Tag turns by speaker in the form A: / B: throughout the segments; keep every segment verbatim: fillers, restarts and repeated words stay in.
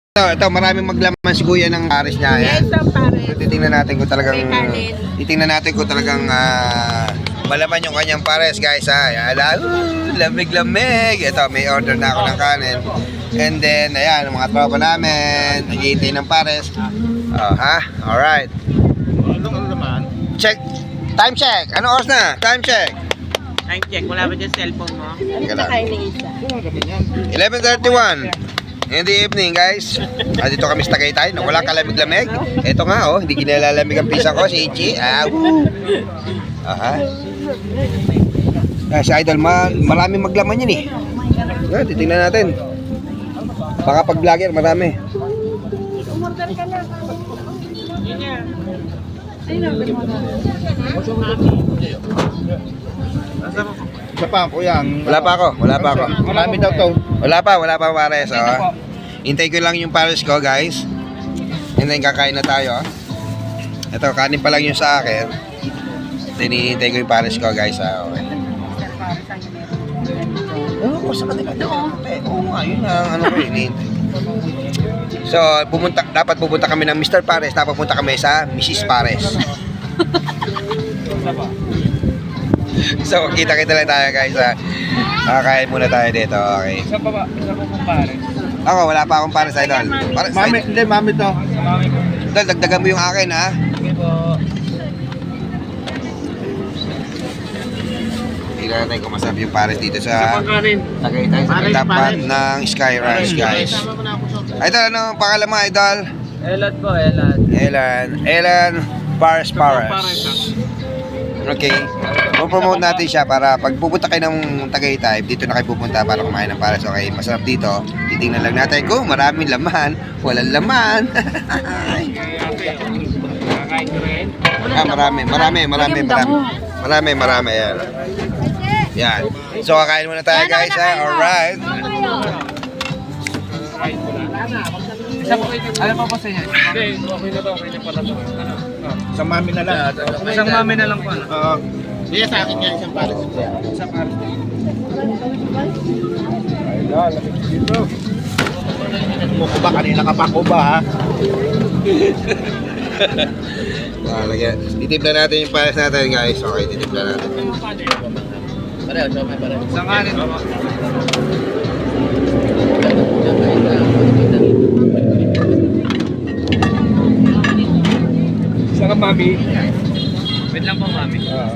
A: Ito, ito, maraming maglaman si Kuya ng pares niya. Yan.
B: Yes, ang pares.
A: So, titingnan natin kung talagang
B: May kanin.
A: titingnan natin kung talagang ah, malaman yung kanyang pares, guys. Ha. Ala, uh, lamig-lamig. Ito, may order na ako ng kanin. And then, ayan, ang mga tropa namin, naghihintay ng pares. Oh, ha? Alright.
C: Ano naman?
A: Check. Time check. Ano oras na? Time check.
B: Time check. Wala ba dyan cellphone mo? Ano
A: Teka
B: na
A: lang.
B: kain ng isa?
A: eleven thirty-one in the evening, guys. Ah, dito kami sa Tagaytay. No, walang kalamig-lamig. Ito nga, oh. Hindi kinalalamig ang pisa ko. Si Ichi. Ah, woo. Aha. Ah, si Idol, ma maraming maglaman yan eh. Ah, titingnan natin. Baka pag vlogger, marami.
B: Umorder ka na. Yun yan.
C: Isa pa, kuya.
A: Wala pa ako. Wala pa ako.
C: Marami daw to.
A: Wala pa. Wala pa pares. Oh. Hintay ko lang yung pares ko, guys. And then kakain na tayo. Ito, kanin pa lang yung sa akin. Tinihintay ko yung pares ko, guys. Ah, okay. Oo, sa kanila. Oo nga, yun ang ano ko hinihintay. So, pumunta, dapat pupunta kami ng Mister Pares, tapos pupunta kami sa Missus Pares. So, kita-kita lang tayo, guys. Ha. Kakain muna tayo dito, okay.
C: Isa pa ba? Isa pa pong pare.
A: Ako, wala pa akong pares, Idol. Pares,
C: Mami, hindi, mami to. Mami ko.
A: Idol, dagdagan mo yung akin, ha.
C: Sige po.
A: Tingnan natin kung masarap yung pares dito sa
C: kanin.
A: Tagaytay, sa
C: Pares,
A: katapan
C: pares.
A: ng Sky Ranch, guys. Idol, ano ang pangalan mo, Idol?
C: Elad po, Elad.
A: Elan. Elan Pares Pares. Okay. Pupromote natin siya para pag pupunta kayo ng Tagaytay, dito na kayo pupunta para kumain ng pares. Okay, masarap dito. Titingnan lang natin kung maraming laman, walang laman.
C: Kakain ko rin.
A: Ah, marami, marami, marami, marami. Marami, marami. Yan. Yan. So, kakain muna tayo, guys. Ha? Alright.
C: Ano pa po sa inyo? Hindi, okay na to. Okay na pala to. Ano? Sa mami na lang. Isang mami na lang po. Oo. Hindi, sa akin nga isang pares. Isang pares. Ay, lamig dito. Kukuba, kanina ka pa kuba, ha?
A: Ah, lagyan. Titimpla natin yung pares natin, guys. Okay, titimpla natin.
C: Pareho, siya may pareho. Isang kanin po. Isang mami. Wait lang po, mami. Oo.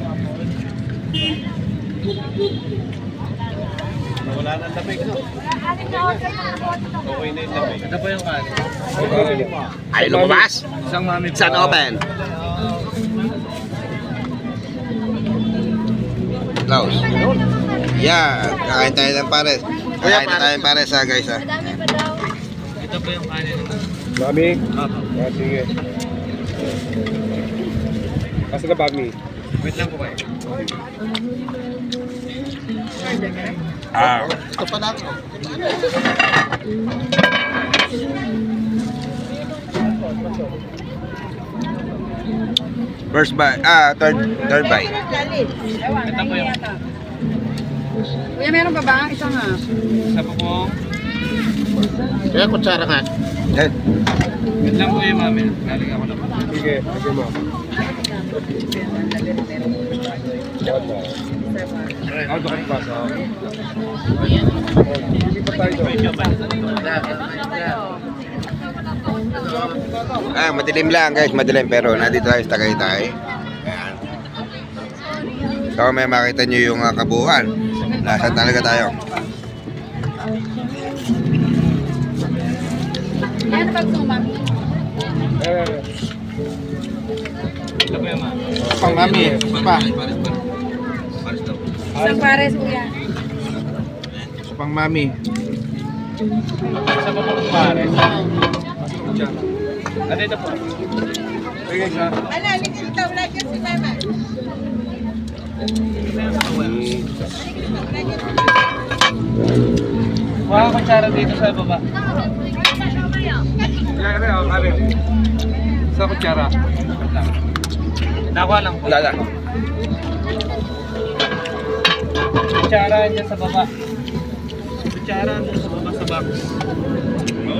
C: Wala nang lamig, no? Okay na yung lamig. Ito po yung kanin.
A: Ay, lumabas?
C: Isang mami po.
A: Saan open? Close. Yeah, kakain tayo ng pares. Kakain na tayo ng pares, ha, guys, ha.
C: Ito po yung kanin.
D: Mami?
C: Opo.
D: Ah, sige. Asa ka, Mami?
C: Wait lang po kayo.
A: Ah.
C: Ito pa lang.
A: First bite. Ah, third, third bite.
C: Ito po yung...
B: Kuya, meron pa ba? Isa nga.
C: Isa po po.
D: Kaya kutsara ka.
A: Yan.
C: Wait lang po yung mami. Galing ako na po.
D: Sige, sige mo. Ako doon ka sa... Hindi pa tayo doon.
A: Ah, madilim lang, guys, madilim, pero nandito tayo sa Tagaytay. Ayan. So, may makita nyo yung uh, kabuuan. Nasaan talaga tayo.
B: Yan pag sumami.
D: Eh,
C: Ito po yung mami.
D: pang mami. Pa.
B: Isang pares, kuya.
D: Pang mami.
C: Isa po po pare. Ano ito po?
D: Sige, siya.
B: Ala, ligil daw lang yan si mama.
C: Mga kutsara dito sa baba. Kaya oh, kare. Sa kutsara. Nakuha lang po.
A: Wala lang.
C: Kutsara dyan sa baba. Kutsara dyan sa baba sa box.